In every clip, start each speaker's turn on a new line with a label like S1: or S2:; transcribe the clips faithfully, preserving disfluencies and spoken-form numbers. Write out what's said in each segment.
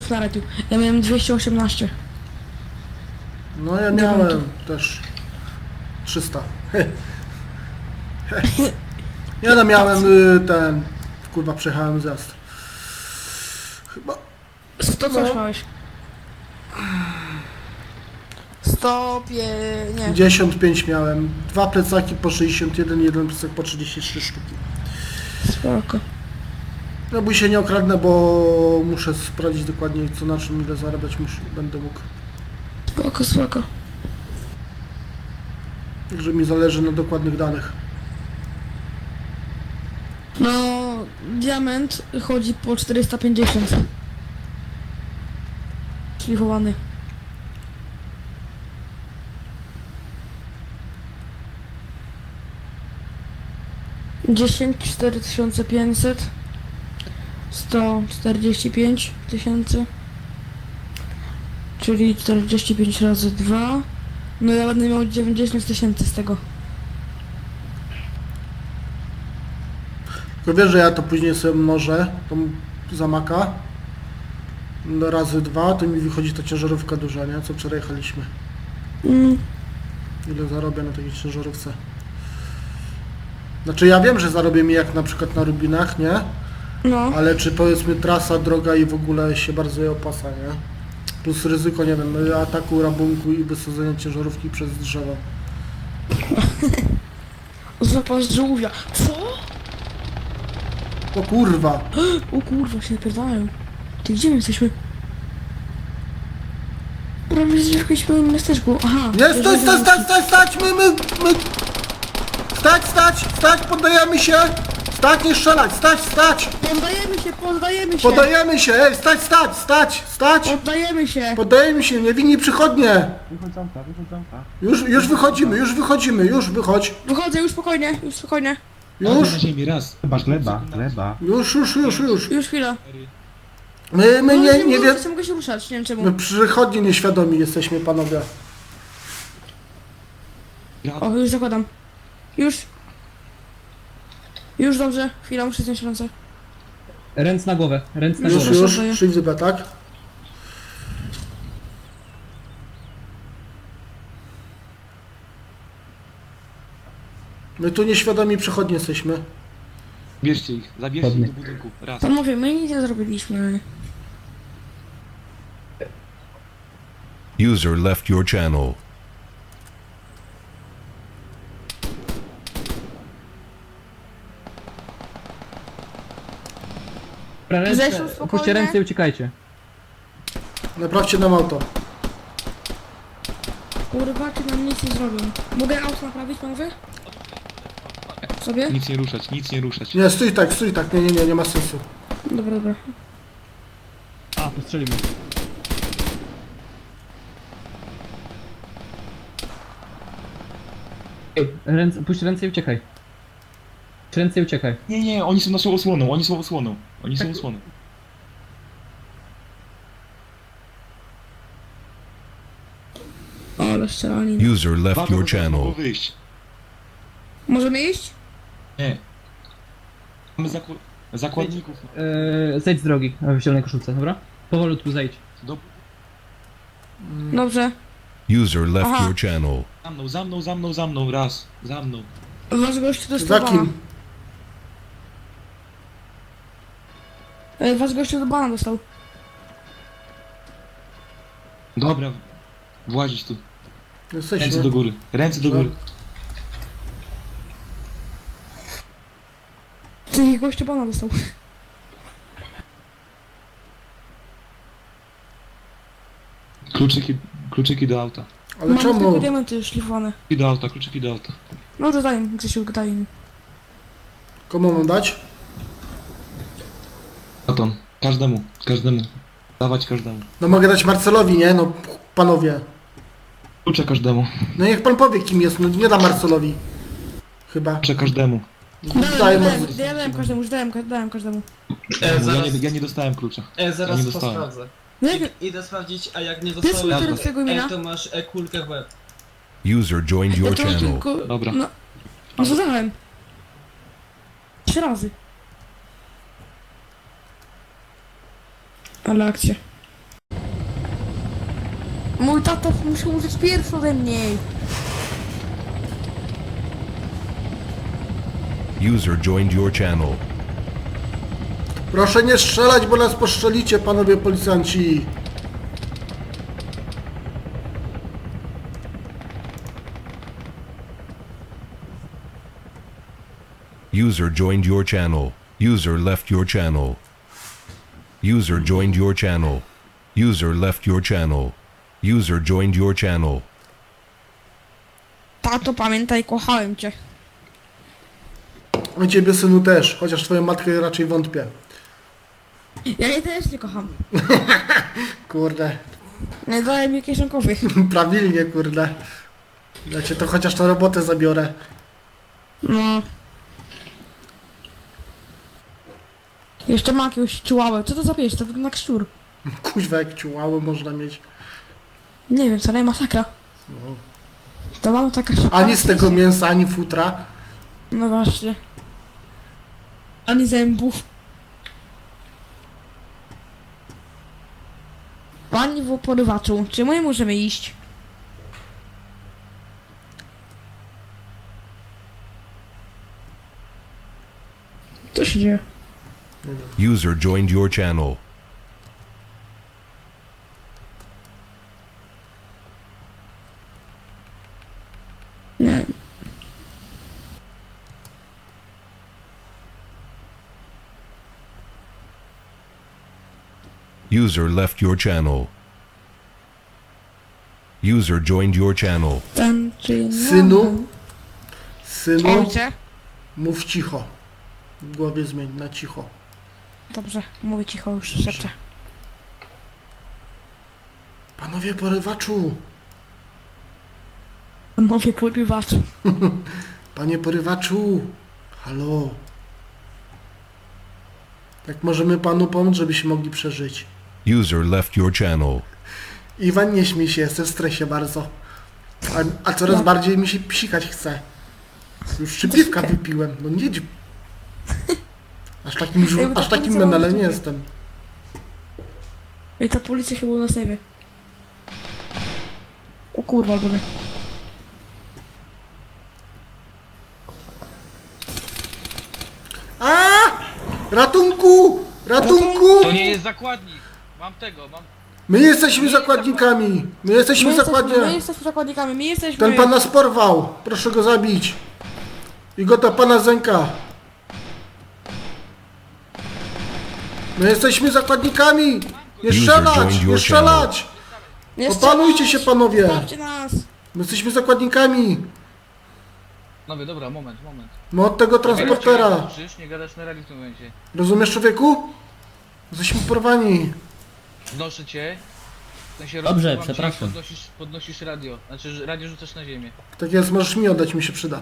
S1: Na radiu. Ja miałem dwieście osiemnaście.
S2: No ja miałem też trzysta. Ja no miałem y, ten... Kurwa, przejechałem zjazd. Chyba...
S1: sto
S2: No.
S1: coś małeś? sto pie... nie.
S2: pięćdziesiąt pięć miałem. Dwa plecaki po sześćdziesiąt jeden, jeden plecak po trzydzieści trzy sztuki.
S1: Spoko.
S2: No bój się nie okradnę, bo muszę sprawdzić dokładnie co na czym ile zarabiać muszę, będę mógł.
S1: Spoko, spoko.
S2: Także mi zależy na dokładnych danych.
S1: No, diament chodzi po czterysta pięćdziesiąt. Szlifowany. dziesięć, cztery tysiące pięćset. sto czterdzieści pięć tysięcy. Czyli czterdzieści pięć razy dwa. No ja będę miał dziewięćdziesiąt tysięcy z tego.
S2: Tylko wiesz, że ja to później sobie mnożę, tą zamaka. No razy dwa, to mi wychodzi ta ciężarówka duża, nie? Co wczoraj jechaliśmy.
S1: Mm.
S2: Ile zarobię na takiej ciężarówce? Znaczy ja wiem, że zarobię mi jak na przykład na Rubinach, nie?
S1: No.
S2: Ale czy powiedzmy trasa, droga i w ogóle się bardzo je opasa, nie? Plus ryzyko, nie wiem, ataku, rabunku i wysadzenia ciężarówki przez drzewo.
S1: Zapas żółwia. Co?
S2: O kurwa!
S1: O kurwa, się napierdalają. Ty gdzie my jesteśmy? Prawie jesteśmy w jakimś małym miasteczku. Aha.
S2: Nie, stać, stać, stać, stać, stać, my, my, my... Stać, stać, stać, poddajemy się! Stać, nie strzelać, stać, stać!
S1: Poddajemy się, poddajemy się!
S2: Podajemy się, ej, stać, stać, stać, stać!
S1: Poddajemy się!
S2: Poddajemy się, niewinni przychodnie!
S3: Wychodzonka, wychodzonka.
S2: Już, już wychodzimy, już wychodzimy, już wychodź!
S1: Wychodzę, już spokojnie, już spokojnie.
S2: Już,
S3: Na ziemi, raz. Chyba chleba, chleba.
S2: już, już, już, już.
S1: Już chwila.
S2: My, my
S1: No,
S2: nie, nie
S1: mogę,
S2: wiem...
S1: nie mogę się ruszać, nie wiem czemu.
S2: My przychodni nieświadomi jesteśmy, panowie.
S1: O, już zakładam. Już. Już dobrze, chwila, muszę zdjąć ręce.
S4: Ręce na głowę, ręce na
S2: Już,
S4: głowę.
S2: już,
S1: daję.
S2: szli w dupę, tak? My tu nieświadomi przychodni jesteśmy.
S3: Bierzcie ich, zabierzcie
S4: Ładnie.
S3: ich do budynku. Raz.
S1: Panowie, my nic nie zrobiliśmy.
S5: User left your channel.
S4: Dobra,
S1: Zeszł
S4: ręce,
S1: spokojnie.
S4: puśćcie ręce i uciekajcie.
S2: Naprawcie nam auto.
S1: Kurwa, czy nam nic nie zrobią. Mogę auto naprawić, panowie? Sobie?
S3: Nic nie ruszać, nic nie ruszać.
S2: Nie, stój tak, stój tak, nie, nie, nie, nie ma sensu.
S1: Dobra, dobra.
S4: A, postrzelimy. Ej, ręce, puść ręce i uciekaj. Puść ręce i uciekaj.
S3: Nie, nie, oni są naszą osłoną, oni są osłoną. Oni są osłoną.
S1: O, ale strzelanina.
S5: User left
S3: Uwaga,
S5: your
S3: bo zaraz mogą
S5: channel.
S3: wyjść.
S1: Możemy iść?
S3: Nie. Mamy zaku... zakładników.
S4: Eee, zejdź z drogi w zielonej koszulce, dobra? Powolutku zejdź.
S3: Do...
S1: Dobrze.
S5: User left
S1: Aha.
S5: your channel.
S3: Za mną, za mną, za mną, za mną, raz. Za mną.
S1: Wasz gościu
S2: Za
S1: dostał bana.
S2: kim?
S1: E, Wasz gościu do bana dostał.
S3: Dobra. Włazić tu. Ręce do
S2: Jesteśmy.
S3: góry. Ręce do góry.
S1: Ty gościu bana dostał.
S3: Kluczyki, kluczyki do auta.
S2: Ale
S1: Mamy tylko
S2: czemu?
S1: diamenty szlifowane.
S3: Kluczyki do auta, kluczyki do auta.
S1: No to daj mi, Grzesiu, daj mi.
S2: Komu mam dać?
S3: Atom. Każdemu, każdemu. Dawać każdemu.
S2: No mogę dać Marcelowi, nie? No panowie.
S3: Klucze każdemu.
S2: No niech pan powie kim jest, no nie da Marcelowi. Chyba.
S3: Klucze każdemu.
S1: Dałem,
S2: Daję
S1: dałem,
S2: Marcelowi.
S1: ja dałem każdemu, już dałem, ka- dałem każdemu.
S6: E,
S3: Ja
S6: zaraz,
S3: nie, ja nie dostałem klucza.
S6: e,
S3: Ja
S6: zaraz
S3: nie
S6: to
S3: dostałem.
S6: sprawdzę.
S1: No jak,
S6: I, idę sprawdzić, a jak nie
S1: Pierwszy
S6: dostałeś,
S1: litery twojego imienia?
S6: e, to masz e, kulkę w łeb.
S5: User joined
S1: ja
S5: your
S1: to
S5: channel.
S1: tylko...
S3: Dobra.
S1: No, no co dałem? Trzy razy. Ale akcja. Mój tata musi użyć pierwszy ode mnie.
S5: User joined your channel.
S2: Proszę nie strzelać, bo nas postrzelicie, panowie policjanci.
S5: User joined your channel. User left your channel. User joined your channel. User left your channel. User joined your channel.
S1: Tato, pamiętaj, kochałem cię.
S2: O ciebie, synu, też, chociaż twoją matkę raczej wątpię.
S1: Ja jej też nie kocham.
S2: Kurde,
S1: Nie daję mi kieszonkowych.
S2: prawilnie, kurde. Ja cię to chociaż na robotę zabiorę.
S1: No. Jeszcze ma jakiegoś ciułałę. Co to za pies? To wygląda jak szczur.
S2: Kuźwa, jak ciułały można mieć.
S1: Nie wiem, co nie masakra.
S2: No.
S1: To mam taka szybka.
S2: Ani z tego mięsa, ani futra.
S1: No właśnie. Ani zębów. Pani w porywaczu, czy my możemy iść? Co się dzieje?
S5: User joined your channel.
S1: Nie.
S5: User left your channel. User joined your channel.
S1: Ten czy
S2: Synu? Synu,
S1: Ojcze?
S2: mów cicho. W głowie zmień na cicho.
S1: Dobrze, mówię cicho już, szepczę.
S2: Panowie porywaczu,
S1: Mówię porywaczu.
S2: panie porywaczu, halo. Jak możemy panu pomóc, żebyśmy mogli przeżyć?
S5: User left your channel.
S2: Iwan, nie śmiej się, jestem w stresie bardzo. A, a coraz bardziej mi się psikać chce. Już trzy piwka wypiłem, no nie dź- Aż takim, żu-
S1: Jakby ta
S2: aż takim
S1: policja
S2: menelem nie
S1: była-
S2: jestem.
S1: I ta policja chyba nas nie wie. O kurwa, góry.
S2: A! Ratunku! Ratunku!
S7: To nie jest zakładnik. Mam tego, mam.
S2: My jesteśmy zakładnikami! My jesteśmy
S1: My jesteśmy, my
S2: zakładnie!
S1: jesteśmy zakładnikami, my jesteśmy...
S2: Ten pan nas porwał! Proszę go zabić! I go ta pana zęka! My jesteśmy zakładnikami! Nie
S5: User
S2: strzelać!
S5: joined
S2: Nie
S5: your
S2: strzelać!
S1: Nie
S2: Opanujcie się, panowie!
S1: Zostawcie nas!
S2: My jesteśmy zakładnikami!
S7: No wie, dobra, moment, moment.
S2: My od tego transportera!
S7: Krzyż, nie gadasz na radiu w tym momencie.
S2: Rozumiesz, człowieku? Jesteśmy porwani!
S7: Znoszę cię. W sensie
S4: Dobrze,
S7: rozsuwam cię i
S4: przepraszam.
S7: Podnosisz, podnosisz radio. Znaczy, że radio rzucasz na ziemię.
S2: Tak jest, możesz mi oddać, mi się przyda.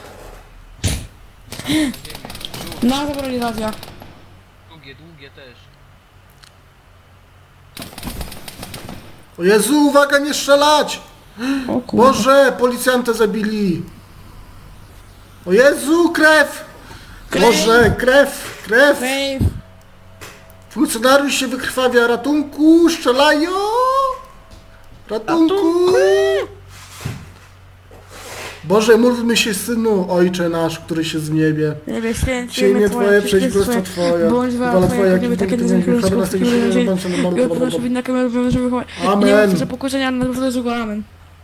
S1: Na zabrali radia.
S7: Długie, długie też.
S2: O Jezu, uwaga, nie strzelać!
S1: O kurwa.
S2: Boże, policjanta zabili! O Jezu, krew! Boże, krew, krew!
S1: Dave!
S2: Funkcjonariusz się wykrwawia, ratunku, strzelają! Ratunku! Boże, módlmy się, synu, Ojcze nasz, który się w niebie.
S1: Niebie święty,
S2: Ziemię Twoje, przyjdź królestwo Twoje.
S1: Bądź
S2: Wola
S1: wola
S2: Twoja,
S1: Twoja,
S2: jak
S1: jak
S2: w
S1: takie
S2: niebie,
S1: na
S2: tak
S1: ziemi,
S2: na
S1: królestwo
S2: ziemi,
S1: Twoje,
S2: bądź na
S1: i
S2: normalu,
S1: odproszę winna kamerę, żeby chować. Nie
S2: Amen.
S1: mam za pokuszenia, ale na złego, amen.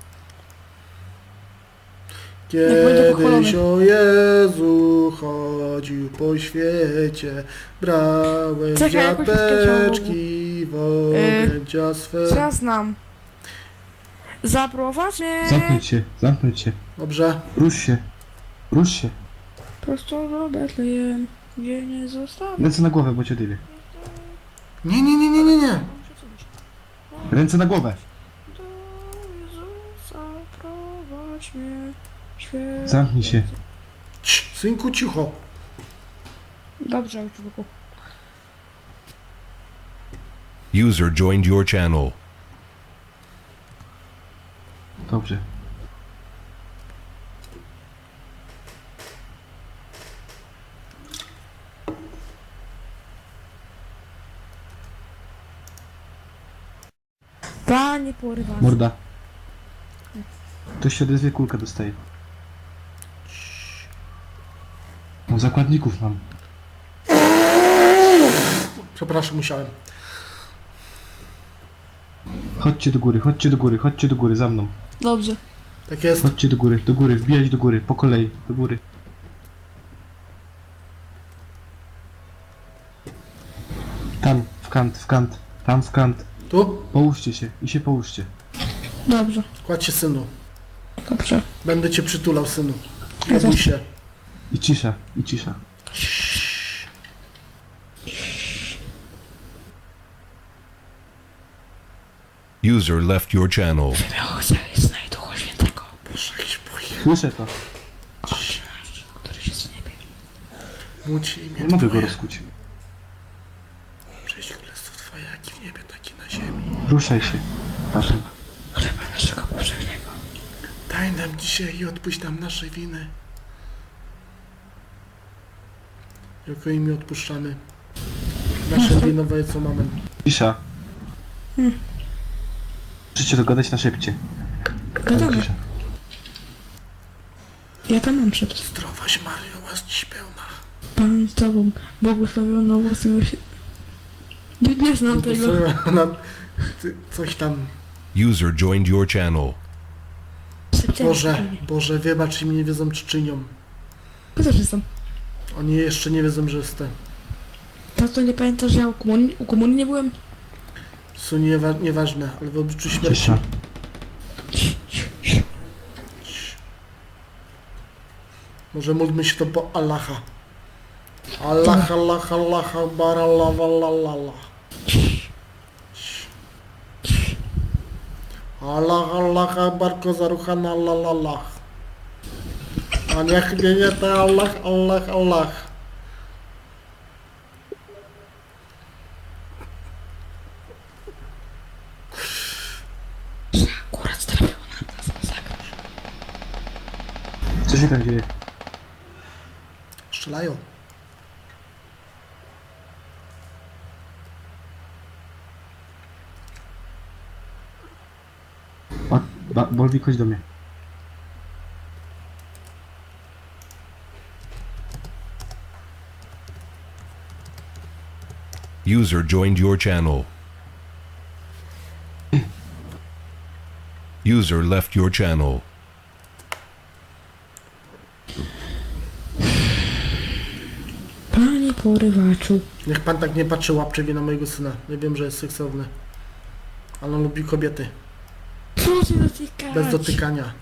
S2: Kiedyś o Jezu chodził po świecie, brałem
S1: Czekaj, jakoś mi
S2: dziateczki w objęcia swe.
S1: Co ja znam? Zaprowadź mnie
S4: Zamknąć się, zamknąć się.
S2: Dobrze.
S4: Rusz się. Rusz się.
S1: prosto do Betlejem, gdzie nie zostawię.
S4: Ręce na głowę, bo cię odjebie.
S2: Nie, nie, nie, nie, nie, nie.
S4: Ręce na głowę.
S1: Do Jezusa prowadź mnie, święty.
S4: Zamknij się.
S2: Cii, synku, cicho.
S1: Dobrze, człowieku.
S5: User joined your channel.
S4: Dobrze.
S1: Panie porywacz.
S4: Morda. Ktoś się odezwie, kulkę dostaje. No, zakładników mam.
S2: Przepraszam, musiałem.
S4: Chodźcie do góry, chodźcie do góry, chodźcie do góry, za mną.
S1: Dobrze.
S2: Tak jest.
S4: Chodźcie do góry, do góry, wbijać do góry, po kolei, do góry. Tam, w kant, w kant, tam w kant.
S2: Tu?
S4: Połóżcie się i się połóżcie.
S1: Dobrze.
S2: Kładź się, synu.
S1: Dobrze.
S2: Będę cię przytulał, synu.
S1: Ja
S2: Nie bój
S1: też.
S2: się.
S4: I cisza, i cisza.
S5: User left your channel.
S1: Znaj Ducha Świętego,
S2: Boże, jakiś boję.
S4: Słyszę to.
S1: który się z niebie.
S2: Módl imię
S4: Nie mogę go
S2: Twoje.
S4: rozkuć.
S2: Przyjdź królestwo Twoje, jak i w niebie, tak i na ziemi.
S4: Ruszaj się. Patrz.
S1: Chleba naszego powszechnego.
S2: Daj nam dzisiaj i odpuść nam nasze winy. Jako imię odpuszczamy. Nasze winowe, co mamy.
S4: Cisza. Możecie dogadać na szybcie.
S1: Gadamy.
S4: Cisza.
S1: Ja tam mam przed.
S2: Zdrowaś Mario, łaski pełna.
S1: Pan z tobą, błogosławiono owocem się. Nie, nie znam tego.
S2: Na, ty, coś tam.
S5: User joined your channel.
S2: Boże, Boże, wybacz im, nie wiedzą czy czynią.
S1: Ja też jestem.
S2: Oni jeszcze nie wiedzą, że jestem.
S1: Tato, nie pamiętasz, że ja u komunii, u komunii nie byłem?
S2: Są niewa nieważne, ale w obliczu śmierci.
S4: Cisza.
S2: Może módlmy się to po Allaha. Allah, Allah, Allah, Akbar, Allah, Allah, Allah. Allah, Allah, Akbar, Kozaruchan, Allah, Allah. A niech mnie nie te Allah, Allah, Allah.
S1: Akurat trafił na nas masakra.
S4: Co się tam dzieje?
S2: Strzelają.
S4: O, ba, Bolwik, chodź do mnie.
S5: User joined your channel. User left your channel.
S1: Panie porywaczu.
S2: Niech pan tak nie patrzy łapczywie na mojego syna. Ja wiem, że jest seksowny. Ale on lubi kobiety.
S1: Proszę dotykać.
S2: Bez dotykania.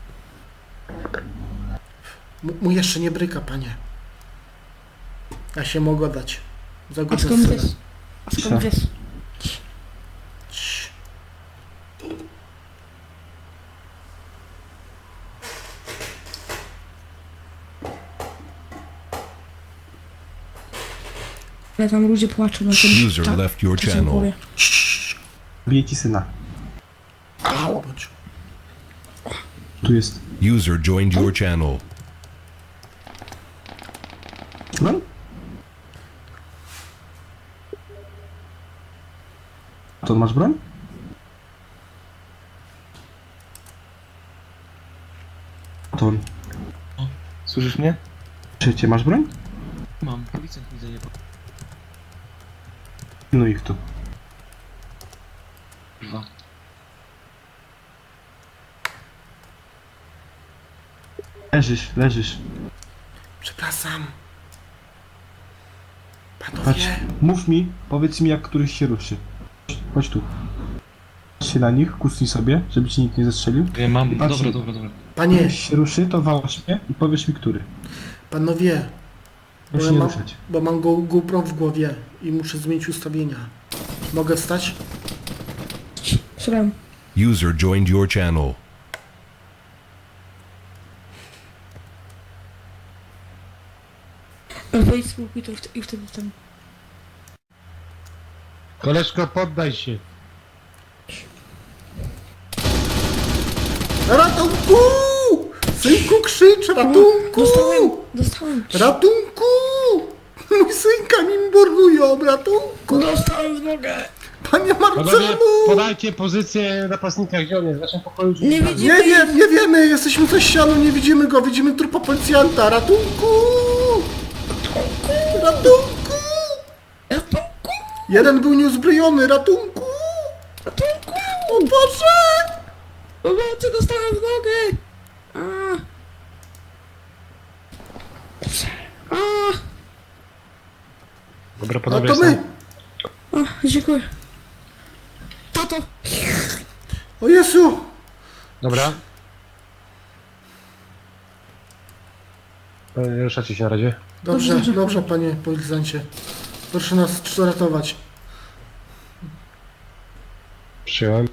S2: M- mu jeszcze nie bryka, panie. Ja się mogę dać. Za
S1: A
S2: głos
S1: skąd
S2: syna.
S1: wiesz? A skąd wiesz?
S2: Cii.
S1: Ale tam ludzie płaczą na tym.
S5: User
S1: tak,
S5: left your
S1: co się
S5: channel.
S1: powie.
S4: Bije ci syna.
S2: Bądź.
S4: Tu jest.
S5: User joined your channel.
S4: No? To masz broń? To on.
S3: Słyszysz mnie?
S4: Trzecie, masz broń?
S3: Mam. Policjant mi zajebał.
S4: No ich tu.
S3: Dwa.
S4: Leżysz, leżysz.
S2: Przepraszam.
S4: Patrz,
S2: Panowie.
S4: mów mi, powiedz mi jak któryś się ruszy. Chodź tu. Patrz się na nich, kucnij sobie, żeby ci nikt nie zestrzelił.
S3: Ja mam.
S4: Patrz.
S3: Dobra, dobra, dobra.
S2: Panie,
S4: Jak się ruszy, to wałasz mnie i powiesz mi który.
S2: panowie. Bo,
S4: Proszę
S2: ja
S4: nie
S2: mam,
S4: ruszać.
S2: bo mam go GoPro w głowie i muszę zmienić ustawienia. Mogę wstać?
S1: Słucham.
S5: User joined your channel.
S1: Wejdź z łuku i to i wtedy ten.
S8: Koleżko, poddaj się.
S2: Ratunku! Synku, krzycz! Ratunku!
S1: Dostałem, dostałem.
S2: Ratunku! Mój synka mi mordują! Ratunku!
S1: Dostałem w nogę.
S2: Panie
S8: Panowie,
S2: Marcelu!
S8: podajcie pozycję napastnika, gdzie on jest? W naszym pokoju czy
S1: Nie
S8: tam?
S1: widzimy.
S2: Nie wiem, nie wiemy, jesteśmy za ścianą, nie widzimy go, widzimy trupa policjanta, ratunku! Ratunku!
S1: Ratunku!
S2: Jeden był nieuzbrojony, ratunku!
S1: Ratunku!
S2: O Boże!
S1: Pomocy, dostałem w nogę! A. A.
S8: Dobra,
S2: No
S8: panowie,
S2: to my!
S1: O, dziękuję. Tato!
S2: O Jezu!
S8: Dobra. E, Ruszacie się na razie.
S2: Dobrze,
S1: Dobrze, dobrze.
S2: dobrze, panie policjancie. Proszę nas ratować.
S8: Przyjąłem.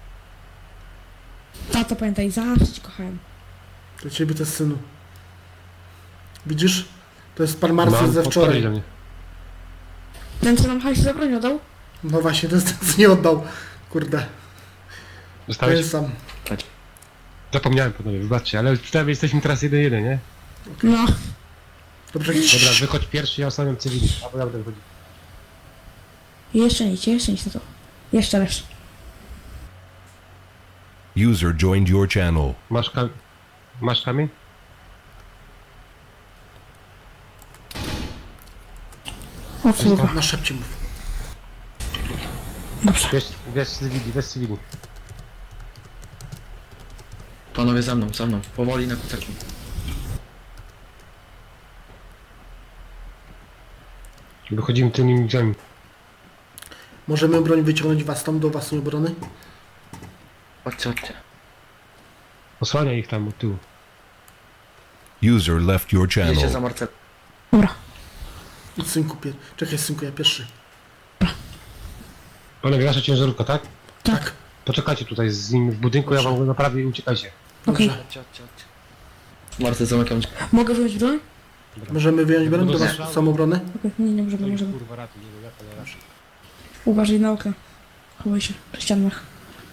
S1: Tato, pamiętaj, zawsze cię kochałem.
S2: Do ciebie też, synu. Widzisz? To jest pan Marcel ze
S8: podpowiedź
S2: wczoraj.
S8: do mnie.
S1: Ten, co nam hajs za broń oddał?
S2: No właśnie, to jest ten, co nie oddał. Kurde, to
S8: Dostałeś?
S2: jest sam.
S8: Zapomniałem, panowie, wybaczcie, ale przynajmniej jesteśmy teraz jeden jeden, nie?
S1: No.
S2: Dobrze,
S8: Dobra, wychodź pierwszy, ja ostawiam cywili. Albo ja będę wychodził.
S1: Jeszcze nic, jeszcze nic, tato. Jeszcze raz.
S5: User joined your channel.
S8: Masz kam... Masz kamień?
S1: O kurwa.
S2: na szepcie mów.
S1: Dobrze.
S8: Wiesz, wiesz cywili, wiesz cywili.
S6: Panowie za mną, za mną. Powoli na kucaku.
S8: Wychodzimy tymi drzwiami.
S2: Możemy broń wyciągnąć was tam do własnej obrony?
S6: Chodźcie, chodźcie.
S8: Osłania ich tam od tyłu.
S5: User left your
S6: Jedziecie za
S5: channel.
S6: Marcel.
S1: Dobra.
S2: Idź, synku, pier... Czekaj, synku, ja pierwszy.
S8: Panowie, wasza ciężarówka, tak?
S2: Tak.
S8: Poczekajcie tutaj z nim w budynku, ja wam go naprawię i uciekajcie.
S1: Okej.
S2: Dobrze.
S6: Chodźcie, chodźcie, chodźcie. Marcel, zamykam.
S1: Mogę wziąć broń?
S2: Możemy wyjąć broń do was samoobrony?
S1: Okej, nie, nie możemy, możemy.
S8: Kurwa, ratuj, nie wiem, jak to ratuj.
S1: Uważaj na okna. Chowaj się przy ścianach.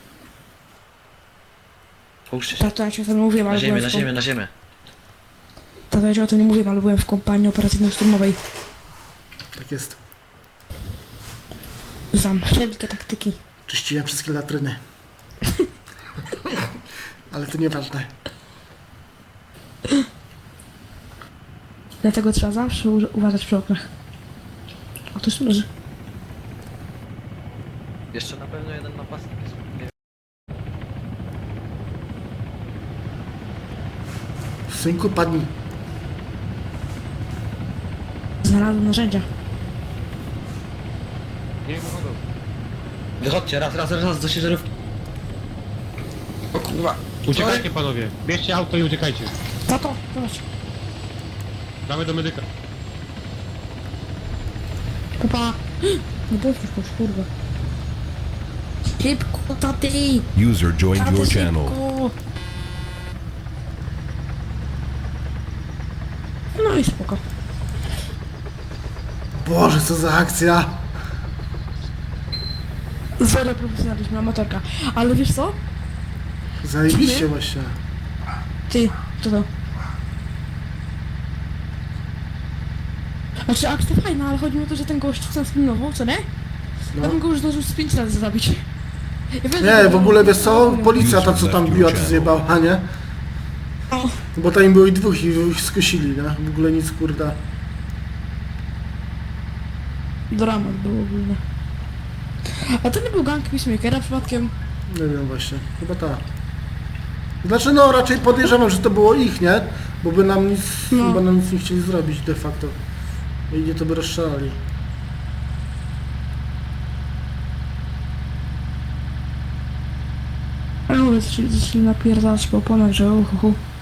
S6: Połóżcie się.
S1: Tato, ja ci o tym nie mówiłem,
S6: Na
S1: ale
S6: ziemię,
S1: byłem
S6: na
S1: w kom...
S6: ziemię, na ziemię.
S1: Tato, ja ci o tym nie mówiłem, ale byłem w kompanii operacyjno-szturmowej.
S2: Tak jest.
S1: Znam wszelkie taktyki.
S2: Czyściłem wszystkie latryny. Ale to nieważne.
S1: Dlatego trzeba zawsze u- uważać przy oknach. O, to jest leży.
S6: Jeszcze na pewno jeden napastnik jest. Nie
S2: Synku, padnij.
S1: Znalazłem narzędzia.
S8: Nie wychodzą.
S6: Wychodźcie, raz, raz, raz do ciężarówki. O kurwa.
S8: Uciekajcie panowie, bierzcie auto i uciekajcie.
S1: Tato, zobacz.
S8: Damy do medyka.
S1: Papa. No bo już kurwa. Szybko, taty!
S5: User joined
S1: Tato,
S5: your channel.
S1: szybko! No i spoko.
S2: Boże, co za akcja.
S1: Zero profesjonalizmu, amatorka. Ale wiesz co?
S2: Zajebiście właśnie.
S1: Ty, co to? Znaczy akcja fajna, ale chodzi mi o to, że ten gość co nas pilnował, co nie?
S2: No.
S1: Ja bym go już zdążył z pięć razy zabić. Ja wiem,
S2: Nie,
S1: że-
S2: w ogóle wiesz co? Policja ta, co tam biła, to zjebała, nie?
S1: O,
S2: Bo tam było i dwóch i ich skosili, nie? W ogóle nic, kurda.
S1: dramat był ogólny. A to nie był gang Peacemakera przypadkiem?
S2: Nie wiem właśnie, chyba tak. Znaczy no, raczej podejrzewam, że to było ich, nie? Bo by nam nic,
S1: No.
S2: chyba nam nic nie chcieli zrobić de facto. I nie to by rozstrzelali.
S1: Ale mówię, zaczęli, zaczęli napierdalać po oponach, że uhu.